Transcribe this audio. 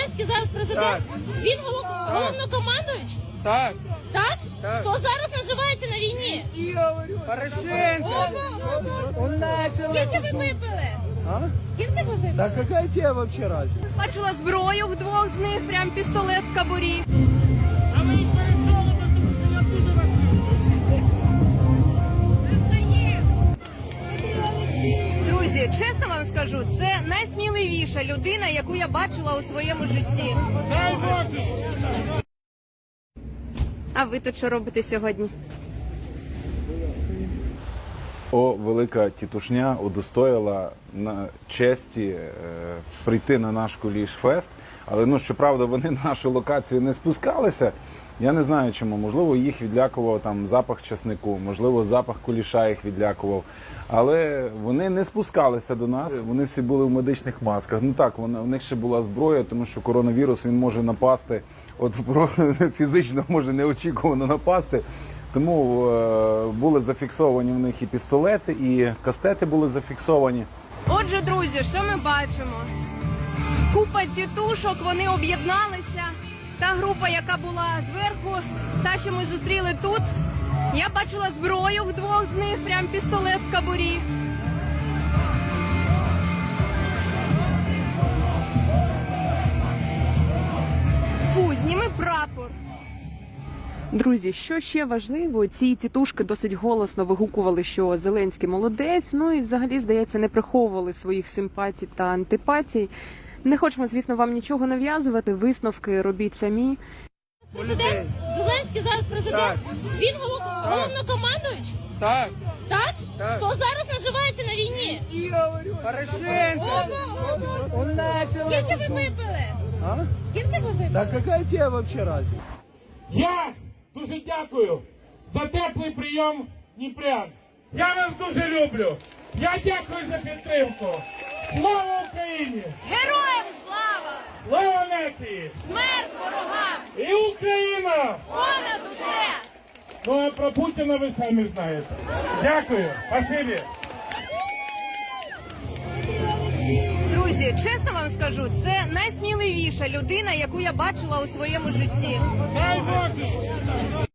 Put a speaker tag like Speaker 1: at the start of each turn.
Speaker 1: Зеленський зараз президент?
Speaker 2: Так.
Speaker 1: Він головнокомандуючий?
Speaker 2: Так.
Speaker 1: Так?
Speaker 2: Так.
Speaker 1: Хто зараз наживається на війні?
Speaker 2: Порошенко. Он начал.
Speaker 1: Скільки ви випили?
Speaker 3: А?
Speaker 1: Скільки ви випили?
Speaker 3: Да какая тебе вообще разница?
Speaker 4: Бачила зброю в двох з них, прям пістолет в кобурі.
Speaker 2: А ви їх пересовуєте, тому що я дуже вас
Speaker 4: Друзі, чесно вам скажу, це найсміливіша людина, яку я бачила у своєму житті.
Speaker 2: дай Боже.
Speaker 4: А ви тут що робите сьогодні?
Speaker 5: Велика тітушня удостоїла на честі прийти на наш Куліш-фест. Але, щоправда, вони на нашу локацію не спускалися. Я не знаю чому. Можливо, їх відлякував там запах часнику, можливо, запах куліша їх відлякував. Але вони не спускалися до нас. Вони всі були в медичних масках. Ну так, у них ще була зброя, тому що коронавірус, він може напасти, фізично може неочікувано напасти. Тому були зафіксовані в них і пістолети, і кастети були зафіксовані.
Speaker 4: Отже, друзі, що ми бачимо? Купа тітушок, вони об'єдналися. Та група, яка була зверху, та, що ми зустріли тут, я бачила зброю в двох з них, прям пістолет в кобурі. Фу, зніми прапор.
Speaker 6: Друзі, що ще важливо, ці тітушки досить голосно вигукували, що Зеленський молодець, ну і взагалі, здається, не приховували своїх симпатій та антипатій. Не хочемо, звісно, вам нічого нав'язувати, висновки робіть самі.
Speaker 1: Президент? Зеленський зараз президент?
Speaker 2: Так.
Speaker 1: Він головнокомандуючий?
Speaker 2: Так.
Speaker 1: Так?
Speaker 2: Так.
Speaker 1: Хто зараз наживається на війні?
Speaker 2: Порошенко. Он начал.
Speaker 1: Скільки ви випили?
Speaker 3: А?
Speaker 1: Скільки ви випили?
Speaker 3: Да какая тебе вообще разница?
Speaker 7: Я дуже дякую за теплий прийом Дніпрян. Я вас дуже люблю. Я дякую за підтримку. Слава Україні!
Speaker 4: Героям слава!
Speaker 7: Слава нації!
Speaker 4: Смерть ворогам!
Speaker 7: І Україна!
Speaker 4: Понад усе!
Speaker 7: Ну а про Путіна ви самі знаєте. Дякую. Спасибі.
Speaker 4: Друзі, чесно вам скажу, це найсміливіша людина, яку я бачила у своєму житті.
Speaker 7: Дай Боже.